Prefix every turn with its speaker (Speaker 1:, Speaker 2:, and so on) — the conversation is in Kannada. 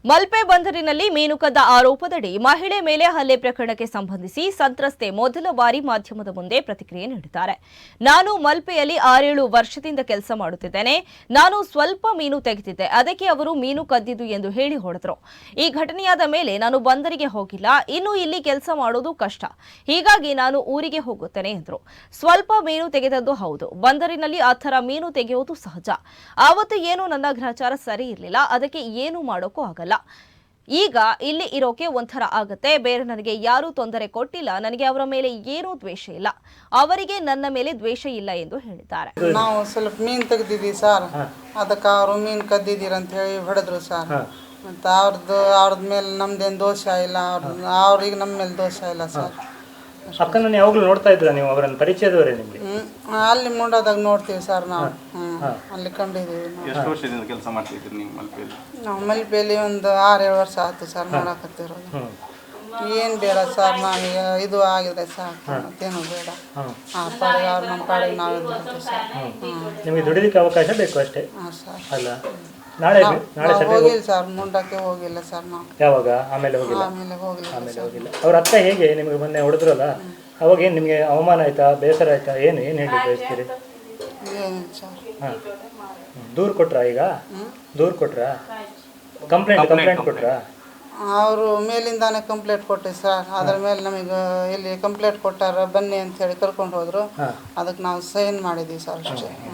Speaker 1: ಮಲ್ಪೆ ಬಂದರಿನಲ್ಲಿ ಮೀನು ಕದ್ದ ಆರೋಪದಡಿ ಮಹಿಳೆ ಮೇಲೆ ಹಲ್ಲೆ ಪ್ರಕರಣಕ್ಕೆ ಸಂಬಂಧಿಸಿ ಸಂತ್ರಸ್ತೆ ಮೊದಲ ಬಾರಿ ಮಾಧ್ಯಮದ ಮುಂದೆ ಪ್ರತಿಕ್ರಿಯೆ ನೀಡಿದ್ದಾರೆ. ನಾನು ಮಲ್ಪೆಯಲ್ಲಿ 6-7 ವರ್ಷದಿಂದ ಕೆಲಸ ಮಾಡುತ್ತಿದ್ದೇನೆ. ನಾನು ಸ್ವಲ್ಪ ಮೀನು ತೆಗೆದಿದ್ದೆ. ಅದಕ್ಕೆ ಅವರು ಮೀನು ಕದ್ದಿದ್ದು ಎಂದು ಹೇಳಿ ಹೊಡೆದರು. ಈ ಘಟನೆಯಾದ ಮೇಲೆ ನಾನು ಬಂದರಿಗೆ ಹೋಗಿಲ್ಲ. ಇನ್ನು ಇಲ್ಲಿ ಕೆಲಸ ಮಾಡೋದು ಕಷ್ಟ. ಹೀಗಾಗಿ ನಾನು ಊರಿಗೆ ಹೋಗುತ್ತೇನೆ ಎಂದರು. ಸ್ವಲ್ಪ ಮೀನು ತೆಗೆದದ್ದು ಹೌದು. ಬಂದರಿನಲ್ಲಿ ಆ ಥರ ಮೀನು ತೆಗೆಯುವುದು ಸಹಜ. ಆವತ್ತು ಏನು ನನ್ನ ಗ್ರಹಚಾರ ಸರಿ ಇರಲಿಲ್ಲ. ಅದಕ್ಕೆ ಏನು ಮಾಡೋಕ್ಕೂ ಆಗಲ್ಲ. ಈಗ ಇಲ್ಲಿ ಇರೋಕೆ ಒಂಥರ ಆಗತ್ತೆ. ಬೇರೆ ನನಗೆ ಯಾರೂ ತೊಂದರೆ ಕೊಟ್ಟಿಲ್ಲ. ನನಗೆ ಅವರ ಮೇಲೆ ಏನೂ ದ್ವೇಷ ಇಲ್ಲ. ಅವರಿಗೆ ನನ್ನ ಮೇಲೆ ದ್ವೇಷ ಇಲ್ಲ ಎಂದು ಹೇಳಿದ್ದಾರೆ.
Speaker 2: ನಾವು ಸ್ವಲ್ಪ ಮೀನು ತೆಗೆದಿದ್ದೀವಿ ಸರ್. ಅದಕ್ಕೆ ಅವರು ಮೀನು ಕದ್ದಿದ್ದೀರ ಅಂತ ಹೇಳಿ ಹೊಡೆದ್ರು ಸರ್. ಮತ್ತು ಅವ್ರದ್ದು ಮೇಲೆ ನಮ್ದೇನು ದೋಷ ಇಲ್ಲ. ಅವ್ರಿಗೆ ನಮ್ಮ ಮೇಲೆ ದೋಷ ಇಲ್ಲ ಸರ್.
Speaker 3: ಅಕ್ಕನನ್ನು ಯಾವಾಗಲೂ ನೋಡ್ತಾ ಇದ್ರ ನೀವು? ಅವರನ್ನು ಪರಿಚಯದವರೇ ನಿಮಗೆ?
Speaker 2: ಅಲ್ಲಿ ಮುಂಡಾದಾಗ ನೋಡ್ತೀವಿ ಸರ್ ನಾವು. ಅಲ್ಲಿ ಕಂಡಿದ್ದೀವಿ.
Speaker 4: ಎಷ್ಟು ವರ್ಷದಿಂದ ಕೆಲಸ ಮಾಡ್ತಿದ್ದೀರಿ ನೀವು ಮಲ್ಪೆಯಲ್ಲಿ?
Speaker 2: ನಾವು ಮಲ್ಪೆಯಲ್ಲಿ ಒಂದು 6-7 ವರ್ಷ ಆಯ್ತು ಸರ್ ನೋಡಕತ್ತಿರೋದು. ಏನು ಬೇಡ ಸರ್, ನಮಗೆ ಇದು ಆಗಿದೆ ಸರ್, ಮತ್ತೇನು ಬೇಡ. ಆ ಪಾಡಿಗೆ ಅವ್ರು ನಮ್ಮ ಪಾಡಿಗೆ ನಾವು ಇರ್ತೀವಿ ಸರ್.
Speaker 3: ನಿಮಗೆ ದುಡಿಲಿಕ್ಕೆ ಅವಕಾಶ ಬೇಕು ಅಷ್ಟೇ.
Speaker 2: ಹಾಂ ಸರ್.
Speaker 3: ಅಲ್ಲ ನಾಳೆ
Speaker 2: ಹೋಗಿಲ್ಲ ಸರ್, ಮುಂಡಕ್ಕೆ ಹೋಗಿಲ್ಲ ಸರ್ ನಾವು.
Speaker 3: ಯಾವಾಗ? ಆಮೇಲೆ ಹೋಗಿಲ್ಲ.
Speaker 2: ಆಮೇಲೆ ಹೋಗಿಲ್ಲ.
Speaker 3: ಅವ್ರ ಅಕ್ಕ ಹೇಗೆ ನಿಮಗೆ ಮೊನ್ನೆ ಹೊಡೆದ್ರಲ್ಲ, ಅವಾಗ ಏನು ನಿಮಗೆ ಅವಮಾನ ಆಯ್ತಾ, ಬೇಸರ ಆಯ್ತಾ, ಏನು ಹೇಳಿ ಬಯಸ್ತೀರಿ?
Speaker 2: ಏನಿಲ್ಲ ಸರ್.
Speaker 3: ಹಾಂ, ದೂರು ಕೊಟ್ರಾ? ಈಗ ದೂರು ಕೊಟ್ರಾ? ಕಂಪ್ಲೇಂಟ್ ಕೊಟ್ರಾ?
Speaker 2: ಅವರು ಮೇಲಿಂದಾನೆ ಕಂಪ್ಲೇಂಟ್ ಕೊಟ್ಟಿವಿ ಸರ್. ಅದ್ರ ಮೇಲೆ ನಮಗೆ ಇಲ್ಲಿ ಕಂಪ್ಲೇಂಟ್ ಕೊಟ್ಟಾರ ಬನ್ನಿ ಅಂತ ಹೇಳಿ ಕರ್ಕೊಂಡು ಹೋದ್ರು. ಅದಕ್ಕೆ ನಾವು ಸೈನ್ ಮಾಡಿದ್ದೀವಿ ಸರ್ ಅಷ್ಟೇ.